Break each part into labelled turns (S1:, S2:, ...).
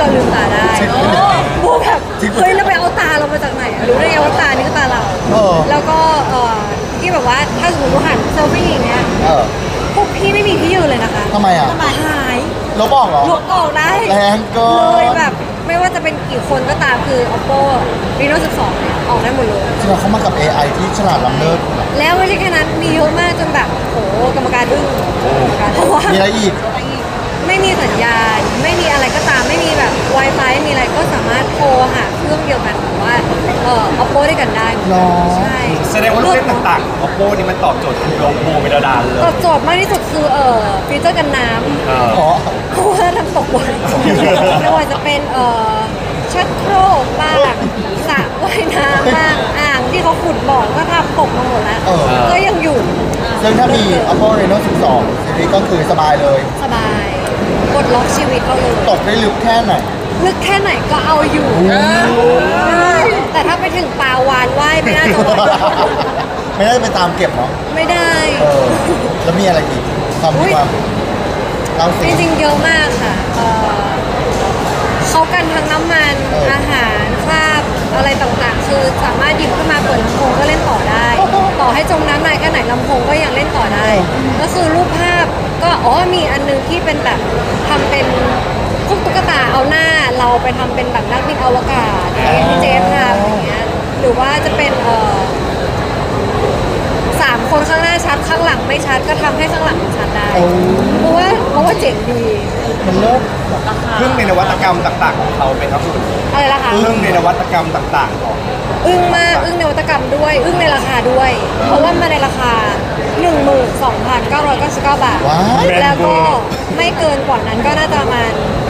S1: ลืมตาได้โบแบบเฮ้ยแล้วไปเอาตาเรามาจากไหนรู้ได้ไงว่าตานี่คือตาเราแล้วก็ที่แบบว่าถ้าสมมติว่าหันเซลฟี่อย่างเงี้ยพวกพี่ไม่มีที่ยืนเลยนะคะ
S2: ทำไมอ่ะ
S1: หาย
S2: ลบออกเหรอ
S1: ลบออกได้
S2: แรงเกิน
S1: เลยแบบไม่ว่าจะเป็นกี่คนก็ตามคือ oppo reno 12เนี่ยออกได้หมดเลย
S2: จริงๆเขามากับ AI ที่ฉลาดล้ำเลิศ
S1: แล้วไม่ใช่แค่นั้นมีเยอะมากจนแบบโหกรรมการอึ้งเพราะว่า
S2: มีอะไรอีก
S1: ไม่มีสัญญาณไม่มีอะไรก็ตามไม่มีแบบ Wi-Fi ไม่มีอะไรก็สามารถโทรหาเครื่องเดียวกันหรือว่าoppo ด้วยกันได้ใช่
S3: แสดงว่าลูกเล่นต่างๆ oppo นี่มันตอบโจทย์ลงโบเมลดานเลย
S1: ตอบโจทย์มากที่สุดคือฟีเจอร์กันน้ำเพราะว่าทำตกบ่อยไม่ว่าจะเป็นชักโครกบ้างสระว่ายน้ำบ้างอ่างที่เขาขุดบ่อก็ทำตกมาหมดแล้วก็ยังอยู่
S2: ซึ่งถ้ามี oppo reno 12ซีรีส์ก็คือสบายเลย
S1: สบายกดล็อกชีวิตเราเลย
S2: ตกได้ลึกแค่ไหน
S1: ลึกแค่ไหนก็เอาอยู่แต่ถ้าไปถึงปลาวานว่ายไม่น่าจะไหว
S2: ไม่ได้ไปตามเก็บเนาะ
S1: ไม่ได้
S2: แล้วมีอะไรอีกความเรา
S1: จริงๆเยอะมากค่ะเขากันทั้งน้ำมันอาหารคราบอะไรต่างๆคือสามารถหยิบขึ้นมาเปิดลำโพงก็เล่นต่อได้ต่อให้จมน้ำนานแค่ไหนลำโพงก็ยังเล่นต่อได้ก็คือรูปภาพก็มีอันนึงที่เป็นแบบทำเป็นพวกตุ๊กตาเอาหน้าเราไปทำเป็นแบบนักบินอวกาศที่เจฟทำอย่างเงี้ยหรือว่าจะเป็น3 คนข้างหน้าชัดข้างหลังไม่ชัดก็ทำให้ข้างหลังชัดได้เพราะว่าเจ๋งดี
S2: มันเลิศ
S3: พึ่งในนวัตกรรมต่างๆของเขาเป็นครับคุณ
S1: อะไรล่ะคะ
S3: พึ่งในนวัตกรรมต่างๆของ
S1: อึ้งมากอึ้งในนวัตกรรมด้วยอึ้งในราคาด้วยเพราะว่ามาในราคา 12,999 บาทแล้วก็ไม่เกินกว่านั้นก็น่าจะประมาณ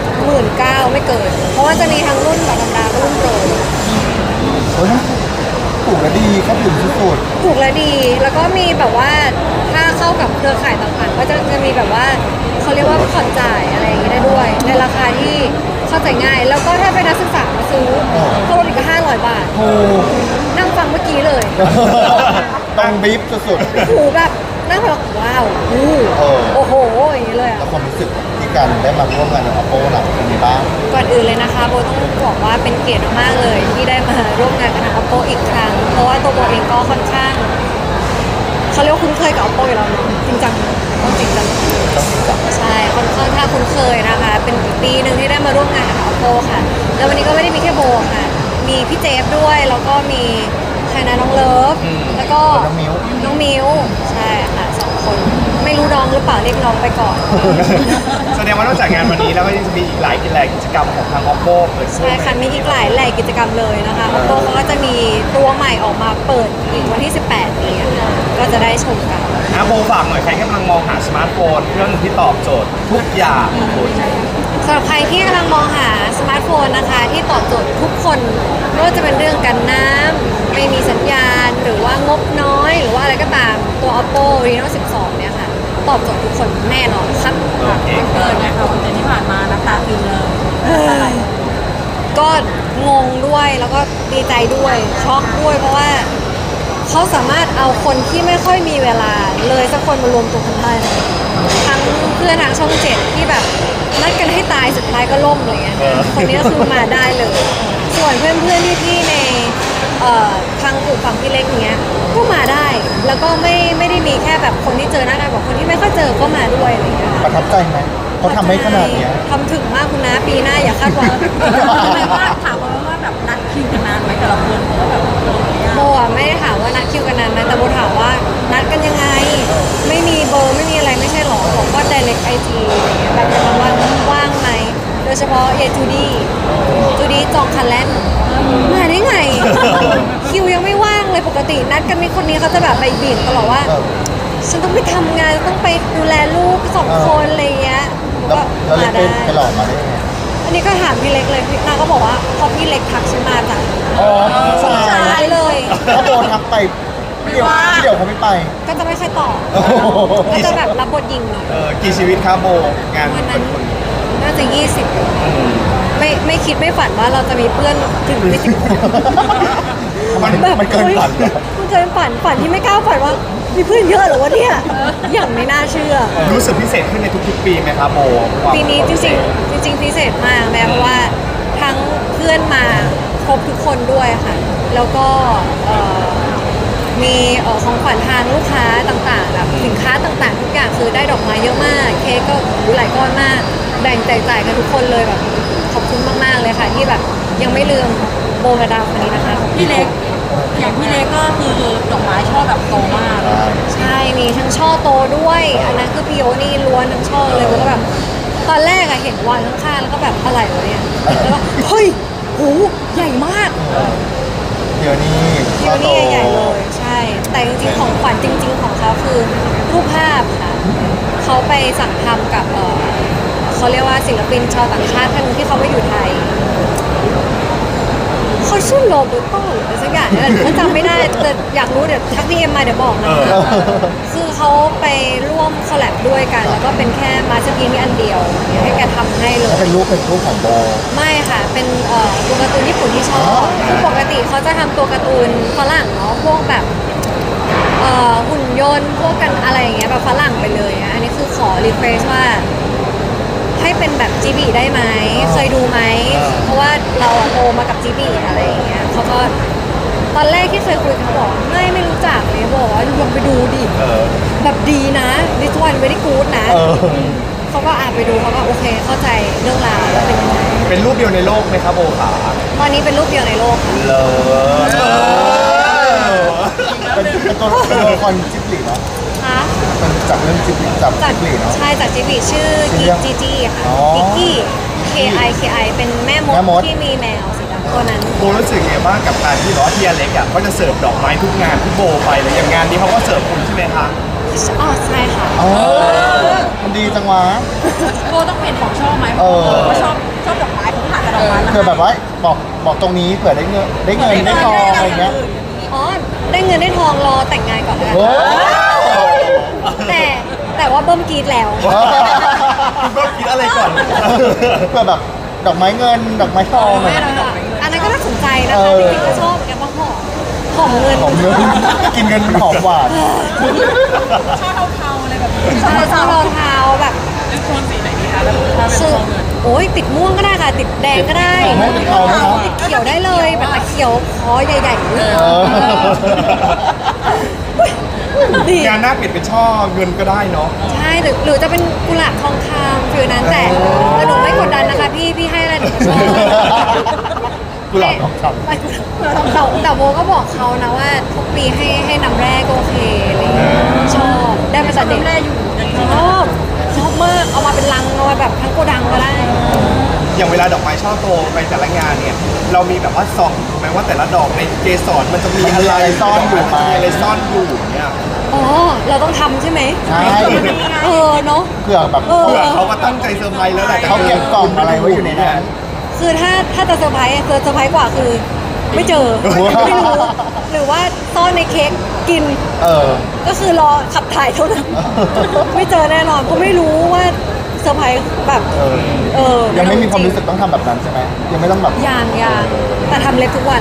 S1: 19,000ไม่เกินเพราะว่าจะมีทั้งรุ่นแบบธรรมดากับรุ่นโปร
S2: โอ้ยถูกและดีครับถึงสุด
S1: ถูกและดีแล้วก็มีแบบว่าถ้าเข้ากับเครือข่ายต่างๆก็จะมีแบบว่าเขาเรียกว่าผ่อนจ่ายอะไรอย่างนี้ได้ด้วยในราคาที่เข้าใจง่ายแล้วก็ถ้าเป็นนักศึกษามาซื้อก็ลดอีก500 บาทนั่งฟังเมื่อกี้เลย
S2: ต้องบีบสุด
S1: ๆหูแบบนั่งแบบว้าวโอ้โหอย่างนี้เลย
S2: แล้วความรู้สึกที่การได้มาร่วมงานกับ oppo หลังเป็นไงบ้าง
S1: ก่อนอื่นเลยนะคะโบต้องบอกว่าเป็นเกียรติมากเลยที่ได้มาร่วมงานกับ oppo อีกครั้งเพราะว่าตัวโบเองก็ค่อนข้างเขาเรียกว่าคุ้นเคยกับ oppo อยู่แล้วเนาะจริงจังต้องจริงจังใช่ค่อนข้างคุ้นเคยนะคะเป็นปีหนึ่งที่ได้มาร่วมงานกับ oppo ค่ะแล้ววันนี้ก็ไม่ได้มีแค่โบค่ะมีพี่เจฟด้วยแล้วก็มีใครนะน้องเลิฟแล้วก็น้องมิวใช่ค่ะ2 คนไม่รู้น้องหรือเปล่าเรียกน้องไปก่อน
S3: แสดงว่านอกจากงานวันนี้แล้วก็ยังจะมีอีกหลายกิจกรรมของทาง oppo เปิด
S1: ใช่ค่ะมีอีกหลายกิจกรรมเลยนะคะ oppo เขาก็จะมีตัวใหม่ออกมาเปิดอีกวันที่ 18 นี้ค่ะก็จะได้ชมกัน
S3: โบฝากหน่อยใครกำลังมองหาสมาร์ทโฟนเครื่องที่ตอบโจทย์ทุกอย่าง
S1: สำหรับใครที่กำลังมองหาสมาร์ทโฟนนะคะที่ตอบโจทย์ทุกคนไม่ว่าจะเป็นเรื่องกันน้ำไม่มีสัญญาณหรือว่างบน้อยหรือว่าอะไรก็ตามตัว oppo reno 12 เนี่ยค่ะตอบโจทย์ทุกคนแน่นอนครับ
S4: เกินนะคะวันที่ผ่านมาน้ำตาซึมเลย
S1: ก็งงด้วยแล้วก็ดีใจด้วยช็อกด้วยเพราะว่าเขาสามารถเอาคนที่ไม่ค่อยมีเวลาเลยสักคนมารวมตัวกันได้ทั้งเพื่อนทางช่อง7ที่แบบนัดกันให้ตายสุดท้ายก็ล่มเลยคนนี้ก็คือมาได้เลยส่วนเพื่อนๆที่ในทางกลุ่มฝั่งพี่เล็กเนี้ยก็มาได้แล้วก็ไม่ได้มีแค่แบบคนที่เจอหน้ากันแบบคนที่ไม่ค่อยเจอก็มาด้วยอะไรอย่างเงี้ย
S2: ประทับใจไหมเขาทำให้ขนาดนี้
S1: ทำถึงมากคุณนะปีหน้าอย่าคาดหวัง
S4: ทำไมว่าถามว่าแบบนัดคิวกันนานไหมแต่ละคนเพราะว่าแบบ
S1: โบไม่ได้ถามว่านัดคิวกันนานไหมแต่โบถามว่านัดกันยังไงไม่มีเบอร์ไม่มีอะไรไม่ใช่หรอผมก็ direct IG แบบประมาณว่าว่างไหมโดยเฉพาะเยจูดี้จองคันแลนมาได้ไงคิวยังไม่ว่างเลยปกตินัดกันมีคนนี้เขาจะแบบไปบิ่นตลอดว่าฉันต้องไปทำงานต้องไปดูแลลูก2 คนอะไรเงี้ย
S2: ก็มาได้ไปหลอกมาได้ไง
S1: อันนี้ก็ถามพี่เล็กเลยนางก็บอกว่าพอพี่เล็กทักฉันมาจ้ะ
S2: ใช่
S1: เลย
S2: ถ้าโดนทักไปพี่เดี๋ยวเขาไม่ไป
S1: ก็จะไม่ค่อยตอบก็จะแบบรับบทยิงหน่อย
S3: กี่ชีวิตครับโบงาน
S1: วันนั้นน่าจะ20ไม่คิดไม่ฝันว่าเราจะมีเพื่อนถึง20 คน
S2: มันเกินฝัน
S1: มันเกินฝันที่ไม่กล้าฝันว่ามีเพื่อนเยอะเหรอวะเนี่ยอย่างไม่น่าเชื่อ
S3: รู้สึกพิเศษขึ้นในทุกๆปีไหมครับโบ
S1: ปีนี้จริงพิเศษมากแม้เพราะว่าคนด้วยค่ะ แล้วก็มีของขวัญทางลูกค้าต่างๆแบบสินค้าต่างๆทุกอย่างคือได้ดอกไม้เยอะมากเค้กก็หลายก้อนมากแบ่งแจกจ่ายกันทุกคนเลยแบบขอบคุณมากๆเลยค่ะที่แบบยังไม่ลืมโบกับดาวคนนี้นะคะ
S4: พี่เล็กอย่างพี่เล็กก็คือดอกไม้ช่อแบบโตมาก
S1: ใช่มีทั้งช่อโตด้วยอันนั้นคือพี่โอนี่ล้วนทั้งช่อเลยโบก็แบบตอนแรกอะเห็นวางข้างๆแล้วก็แบบอะไรวะเนี่ยแล้วก็เฮ้ยโหใหญ่มาก
S2: เดี๋ยวนี้
S1: พี่โอนี่ใหญ่เลยใช่ แต่จริงๆของขวัญจริง ๆ ของเขาคือรูปภาพค่ะเขาไปสั่งทำกับเขาเรียกว่าศิลปินชาวต่างชาติท่านหนึงที่เขามาอยู่ไทยเขาชื่อโรเบร์โตหรืออะไรสักอย่างเนี่ยก็จำไม่ได้แต่อยากรู้เดี๋ยวทักพี่เอ็มมาเดี๋ยวบอกนะคะคือเขาไปร่วมคอลแลบด้วยกัน แล้วก็เป็นแค่มาสเตอร์พีซอันเดียวให้แกทำให้เลย
S2: เป็นรูปของโบ
S1: ไม่ค่ะ เป็นตัวการ์ตูนญี่ปุ่นที่ชอบคือปกติเขาจะทำตัวการ์ตูนฝรั่งเนาะพวกแบบหุ่นยนต์พวกกันอะไรอย่างเงี้ยแบบฝรั่งไปเลยอะอันนี้คือขอรีเควสว่า ให้เป็นแบบจีบีได้ไหมเคยดูไหมเพราะว่าเราอะโตมากับจีบีอะไรอย่างเงี้ยเขาก็ตอนแรกที่เคยคุยเขาบอกไม่รู้จักเลยบอกว่าลองไปดูดิแบบดีนะ this one very good นะเขาก็ไปดูเขาก็โอเคเข้าใจเรื่องราวว่าเป็นยังไง
S3: เป็นรูปเดียวในโลกไหมครับโบขา
S1: ตอนนี้เป็นรูปเดียวในโลกค่ะ
S2: เป็นตัวละครจิบลิเนาะ
S1: คะ
S2: เป็นจากเรื่องจิบลิจาก
S1: จาก
S2: จิบลิเนาะ
S1: ใช่จากจิบีชื่อ
S2: ชื่
S1: กิ
S2: อ
S1: จีจีค่ะ
S2: อ๋อ
S1: กิกกี้ KI เป็นแม่ม
S2: แม่มด
S1: ดที่มีแมวสีดำตัวนั้น
S3: โบรู้สึกไงบ้างกับการที่ที่อเล็กอ่ะเขาจะเสิร์ฟดอกไม้ทุกงานที่โบไปเลยอย่างงานนี้เขาก็เสิร์ฟคุณใช่ไหมคะ
S1: อ๋อใช่ค่ะ
S2: อ๋อมันดีจังวะ
S4: โบต้องเปลี่ยนของชอบไหม
S2: เออ
S4: เพราะชอบดอกไม้เขาผ่านกับดอกไม้มา
S2: คือแบบว่าบอกตรงนี้เผื่อได้เงินได้ทองอะไรเงี้ย
S1: อ๋อได้เงินได้ทองรอแต่งงานก่อนแล้วกัน
S2: โอ้
S1: แต่ว่าเบิ้มกรีดแล้ว
S3: คุณก็คิดอะไรก่อน
S2: เพื่อแบบดอกไม้เงินดอกไม้ทอง
S1: ไม่หรอกค่ะอันนั้นก็น่าสนใจนะคะ
S2: เออ
S1: จริงๆก็ชอบเหมือนกันเพราะหอมเงิน
S2: หอมเงินกินเงินมันหอมหวาน
S4: ช่อเทาๆอะไรแบบนี้
S1: ชอบรองเท้าแบบ
S4: เป็นโทนสีไหนดีคะแล้วถ้าเป็น
S1: คือ
S4: ช่อเงิน
S1: โอ้ยติดม่วงก็ได้ค่ะ ติดแดงก็ได้
S2: ไม่เป็นเขานะ
S1: ติดเขียวได้เลยแบบเขียวคอใหญ่ๆเลย
S2: เออ
S1: ดี
S3: งานหน้าเปลี่ยนเป็นช่อเงินก็ได้เนาะ
S1: ใช่หรือจะเป็นกุหลาบทองคำฟิลนั้นแต่หนูไม่กดดันนะคะพี่ให้อะไรหนูก็ชอบ
S2: กุหลาบทองคำ
S1: ไม่แต่โบก็บอกเขานะว่าทุกปีให้น้ำแร่ก็โอเคอะไรอย่างเงี้ยชอบได้มาจากเด็ก
S4: แร่อยู่ยังช
S1: ช
S4: อบ
S1: ชอบมากเอามาเป็นลังเอามาแบบทั้งโกดังก็ได้
S3: อย่างเวลาดอกไม้ช่อโตไปแต่ละงานเนี่ยเรามีแบบว่าส่องถูกไหมว่าแต่ละดอกในเกสรมันจะมีอะไร
S2: ซ่อนอยู่ไหม
S3: มีอะไรซ่อนอยู่เนี่ย
S1: อ๋อเราต้องทำใช่ไหม
S2: ใช่
S1: เนาะ
S2: เผื่อแบบ
S1: เออ
S3: เผื่อเขาก็ตั้งใจเซอร์ไพรส์แล้วแหละ
S2: เขาเก็บกล่องอะไรไว้อยู่ในนั้น
S1: คือถ้าจะเซอร์ไพรส์เซอร์ไพรส์กว่าคือไม่เจอไม่รู้หรือว่าซ่อนในเค้กกิน
S2: เออ
S1: ก็คือรอขับถ่ายเท่านั้น ไม่เจอแน่นอนเพราะไม่รู้ว่าเซอร์ไพรส์แบบ
S2: เออยังไม่มีความ
S1: จ
S2: รู้สึกต้องทำแบบนั้นใช่ไหมยังไม่ต้องแบบ
S1: อย่างแต่ทำเล็บทุกวัน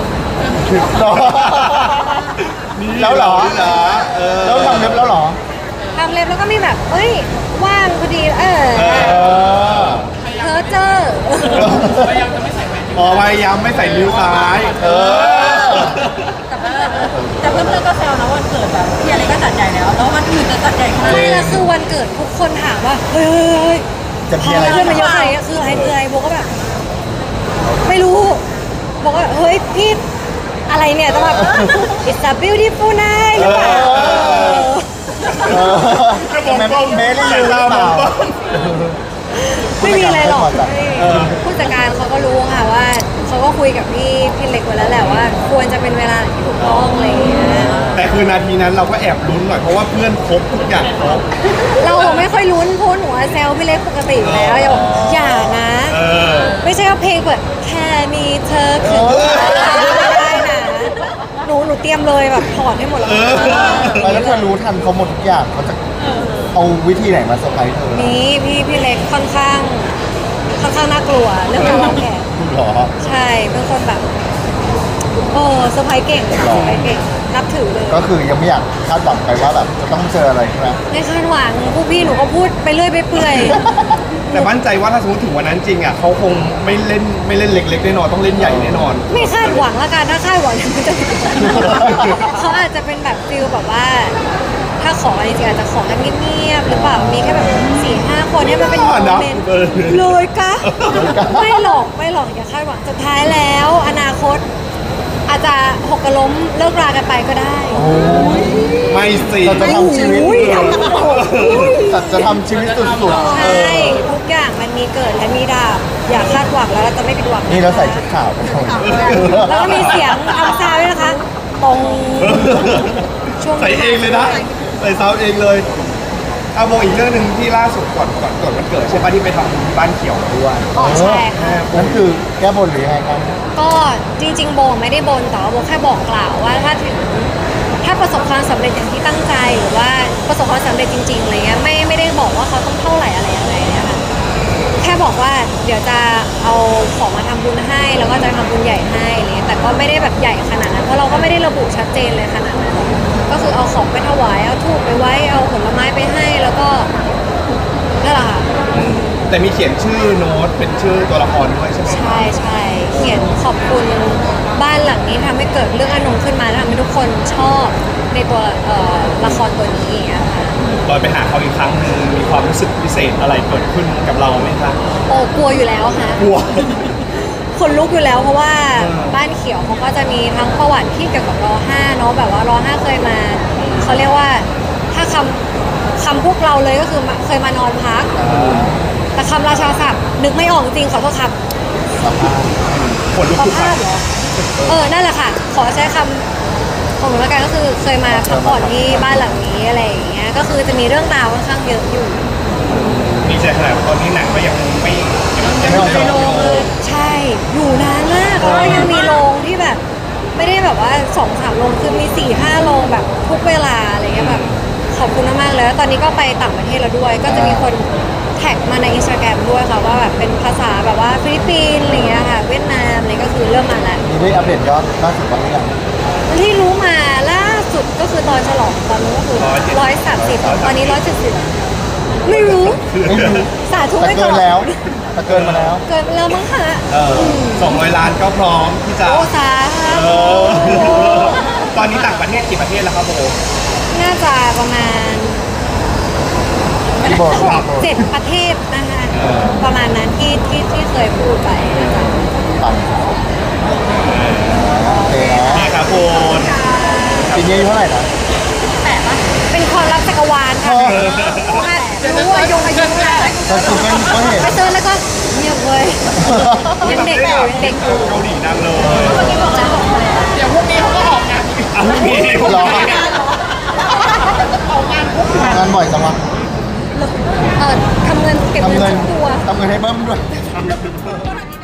S2: แล้วเหรอ
S3: เหรอเออ
S2: แล้วทำเล็บแล้วเหรอ
S1: ทำเล็บแล้วก็มีแบบเอ้ยว่างพอดี
S2: เ
S1: เอ
S2: ออ
S1: เพอเจอร์
S3: อ๋อพยายามไม่ใส่นิ้วซ้าย
S2: เออ
S4: แต่เพื่อนๆก็แซวนะวันเกิดแบบพี่อะไรก็จัดใหญ่แล้วแล้ววันอื่นจะจัดใหญ่ขนาดไหน
S1: ไม่ละคือวันเกิดทุกคนถามว่าเฮ้ย
S2: จะ
S1: พ
S2: มี
S1: อ
S2: อะไร
S1: เพื่อนมาเยอะขนาดนี้คืออะไรโบก็แบบ ไม่รู้บอกว่าเฮ้ยพี่อะไรเนี่ยต้องแบบ it's a beautiful night หรือเปล่า
S2: เออทำไมเมลี่รู้หรือเปล่า
S1: ไม่มีอะไรหรอก
S2: เออ
S1: ผู้จัดการเขาก็รู้ค่ะว่าเขาก็คุยกับพี่เล็กไว้แล้วแหละว่า ควรจะเป็นเวลาที่ถูกต้องอะไรอย่างเงี้ย
S3: แต่คือนาทีนั้นเราก็แอบลุ้นหน่อยเพราะว่าเพื่อนครบทุกอย่างครบ
S1: เราไม่ค่อยลุ้นเพราะหนูอะแซวพี่เล็กปกติอยู่แล้วอย่านะ
S3: เออ
S1: ไม่ใช่ว่าเพลงเปิดแค่มีเธอคือไม่ได้นะหนูเตรียมเลยแบบถอดให้หมดแล้ว
S2: แล้วเธอรู้ทันเขาหมดทุกอย่างเขาจะเอาวิธีไหนมาเซอร์ไพรส์เธอ
S1: นี้พี่เล็กค่อนข้างน่ากลัวเรื่องการวางแผน
S2: หรอ
S1: ใช่เป็นคนแบบโอ้เซอร์ไพรส์เก่งเซอร์ไพรส์เก่งนับถือเลย
S2: ก็คือยังไม่อยากคาดหวังไปว่าแบบจะต้องเจออะไรใช่ไหม
S1: ในคาดหวังพวกพี่หนูก็พูดไปเรื่อยไปเปื่อย ห
S3: แต่มั่นใจว่าถ้าสมมติถึงวันนั้นจริงอ่ะเขาคงไม่เล่นเล็กๆแน่นอนต้องเล่นใหญ่แน่นอน
S1: ไม่คาดหวังละกันถ้าคาดหวังมันจะเขาอาจจะเป็นแบบฟิลแบบว่า ถ้าขออะไรจริงๆอาจจะขอกันเงียบๆหรือเปล่ามีแค่แบบ4-5 คนให้มันเป็นโมเมนต์เลยกะไม่หรอกอย่าคาดหวังสุดท้ายแล้ว อนาคต อาจจะหกกระล้มเลิกรากันไปก็ได้
S3: ไม่สิ
S2: เราจะทำชีวิต
S1: อุ้ย
S2: สัตว์จะทำชีวิตสุดๆ
S1: ใช่ทุกอย่างมันมีเกิดและมีดับอย่าคาดหวังแล้วเราจะไม่ผิดหวัง
S2: นี่เราใส่ชุดขาวไปทำไม
S1: แล้วก็มีเสียงทำซาวด์ด้วยนะคะตรงช่วง
S3: ใส่เองเลยนะใส่ซาวด์เองเลยเอาโมอีกเรื่องหนึ่งที่ล่าสุดก่อนวันเกิดใช่ปะที่ไปทำบ้านเขียวมาด้วย
S1: อ๋อใช่ค่ะ
S2: นั่นคือแก้บนหรือยังไงครับ
S1: ก็จริงๆโบไม่ได้บนแต่ว่าโบแค่บอกกล่าวว่าถ้าประสบความสำเร็จอย่างที่ตั้งใจหรือว่าประสบความสำเร็จจริงๆอะไรเงี้ยไม่ได้บอกว่าเขาต้องเท่าไหร่อะไรยังไงเนี่ยค่ะแค่บอกว่าเดี๋ยวจะเอาของมาทำบุญให้แล้วก็จะทำบุญใหญ่ให้อะไรเงี้ยแต่ก็ไม่ได้แบบใหญ่ขนาดนั้นเพราะเราก็ไม่ได้ระบุชัดเจนเลยขนาดนั้นก็คือเอาของไปถวายเอาธูปไปไว้เอาผลไม้ไปให้แล้วก็นั่นแหละค่ะ
S3: แต่มีเขียนชื่อโน้ตเป็นชื่อตัวละครด้วยใช่ไหม
S1: ใช่เขียนขอบคุณบ้านหลังนี้ทำให้เกิดเรื่องอนงขึ้นมาแล้วทำให้ทุกคนชอบในตัวละครตัวนี้อย่างเงี้ยค่ะ
S3: ลอยไปหาเขาอีกครั้งหนึ่งมีความรู้สึกพิเศษอะไรเกิดขึ้นกับเราไหมคะ
S1: โอ้กลัวอยู่แล้วค่ะ
S3: กลัว
S1: คนลุกอยู่แล้วเพราะว่าบ้านเขียวเขาก็จะมีทั้งประวัติที่เกี่ยวกับร.5เนาะแบบว่าร.5เคยมาเขาเรียกว่าถ้าคำพวกเราเลยก็คือเคยมานอนพัก แต่คำราชาศัพท์นึกไม่ออกจริงขอโทษครับ
S3: คนลุก
S1: ขอ
S3: ทุกค
S1: ภา
S3: รั้
S1: พ
S3: ง
S1: เหรอนั่นแหละค่ะ ขอใช้คำของหนูแล้วกันก็คือเคยมาพักผ่อนที่บ้านหลังนี้อะไรอย่างเงี้ยก็คือจะมีเรื่องราวค่อนข้างเยอะอยู่
S3: มีใจขนาดตอนนี้หนังก็ยังไม่
S2: ไม่ออกจากโรง
S1: ใช่อยู่นานมากแล้วก็ยังมีโรงที่แบบ ไม่ได้แบบว่า2-3 โรงคือมี4-5 โรงแบบทุกเวลาอะไรเงี้ยแบบขอบคุณมากๆเลยแล้วตอนนี้ก็ไปต่างประเทศแล้วด้วย ก็จะมีคนแท็กมาในอินสตาแกรมด้วยค่ะว่าแบบเป็นภาษาแบบว่าฟิลิปปินส์อะไรเงี้ยค่ะเวียดนามอะไรก็คือเริ่มมาแล้ว
S2: นี่ได้อัปเดตยอดล่าสุดบ้างหรือยัง
S1: ที่รู้มาล่าสุดก็คือตอนฉลองตอนนู้นก็คือ130ตอนนี้170ไม่รู้
S2: ไม่รู้
S1: สาธุ
S2: แต่
S1: ไว้
S2: เกิ
S1: ก่อน น
S2: แล้วแต่เกินมาแล้ว
S1: เกินแล้วมั้งคะ
S3: 200 ล้านก็พร้อมที่จะ
S1: โอ้สา
S3: เอ
S1: ธุ
S3: อตอนนี้ต่างประเทศกี่ประเทศแล้วครับโบ
S1: น่าจะประมาณ
S2: พี่โบ
S1: 7 ประเทศนะคะประมาณนั้นที่เคยพูดไปนะคะ
S2: ปังโอเคนะ
S3: นี่ครับโบ
S2: ปีนี้อายุเท่าไหร่นะ
S1: เป็นความลับจักรวาลค่ะรู้อายุแล้ว
S2: เราคิดก็เห็น
S1: ไปเจอแล้วก็เงียบเลยยังเด็กอยู่ยังเด็กอยู่
S3: เกาหลีดังเลย
S4: เดี๋ยวพรุ่งนี้เขาก็ออกงาน
S3: อ่ะพรุ่งนี้
S2: รอทำงานบ่อยจังวะ
S1: ทำเงินเก็บ
S2: ทำ
S1: เงิน
S2: เงิน
S1: ทุกตัว
S2: ทำเงินให้เบิ้มด้วย
S4: เจ้าหน้าที่